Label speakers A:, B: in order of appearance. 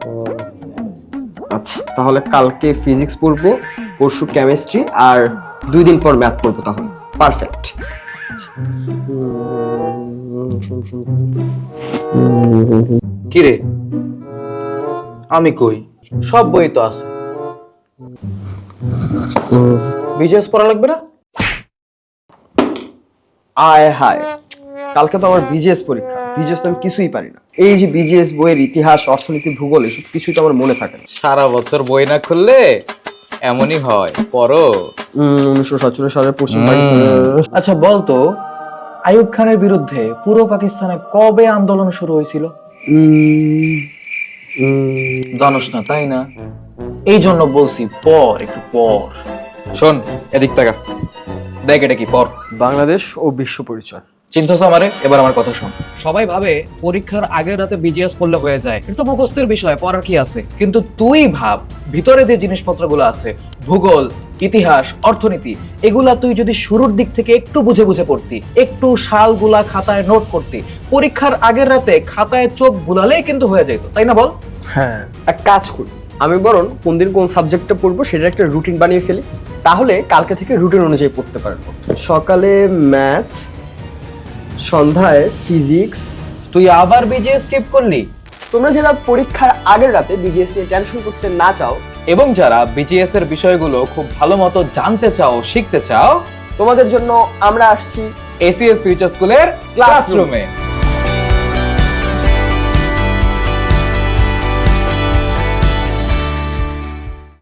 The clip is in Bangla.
A: আচ্ছা, তাহলে কালকে ফিজিক্স পড়বো, পরশু কেমিস্ট্রি, আর 2 দিন পর ম্যাথ পড়বো। তাহলে পারফেক্ট।
B: কি রে, আমি কই? সব বই তো আছে। বিজেএস পড়া লাগবে না?
A: আয় হায়, কালকে তো আমার বিজিএস পরীক্ষা। বিজিএস তো আমি কিছুই পারি না। এই যে বিজিএস বইয়ের ইতিহাস, অর্থনীতি, ভূগোল এসব কিছুই তো আমার মনে থাকে না।
B: সারা বছর বই না খুললে এমনই হয়। পড়ো।
A: 1947 সালের পশ্চিম পাকিস্তানের।
C: আচ্ছা বলতো, আইয়ুব খানের বিরুদ্ধে পুরো পাকিস্তানে কবে আন্দোলন শুরু হয়েছিল? জানোস না তাই না? এই জন্য বলছি পর, একটু পর।
B: শোন, এদিক তাকা, দেখ এটা কি। পড়।
A: বাংলাদেশ ও বিশ্ব পরিচয়।
C: চিন্তাছ আমারে, এবার আমার কথা শোন।
D: সবাই ভাবে পরীক্ষার আগের রাতে বিজিএস পড়লে হয়ে যায়, এটা তো মুখস্থের বিষয়, পড়ার কি আছে।
C: কিন্তু তুই ভাব, ভিতরে যে জিনিসপত্রগুলো আছে, ভূগোল, ইতিহাস, অর্থনীতি, এগুলা তুই যদি শুরুর দিক থেকে একটু বুঝে বুঝে পড়তি, একটু সালগুলা খাতায় নোট করতি, পরীক্ষার আগের রাতে খাতায় চোখ বুলালেই কিন্তু হয়ে যেত, তাই না বল?
A: হ্যাঁ, এক কাজ করি, আমি বরং কোন দিন কোন সাবজেক্টটা পড়বো সেটা একটা রুটিন বানিয়ে ফেলি। তাহলে কালকে থেকে রুটিন অনুযায়ী পড়তে পারবো। সকালে ম্যাথ, সন্ধ্যায় ফিজিক্স।
C: তুই আবার বিজিএস স্কিপ করলি?
A: তোমরা যারা পরীক্ষার আগের রাতে বিজিএস নিয়ে টেনশন করতে না চাও,
C: এবং যারা বিজিএস এর বিষয়গুলো খুব ভালো মতো জানতে চাও, শিখতে চাও,
A: তোমাদের জন্য আমরা আসছি
C: এসিএস ফিউচার স্কুলের ক্লাসরুমে।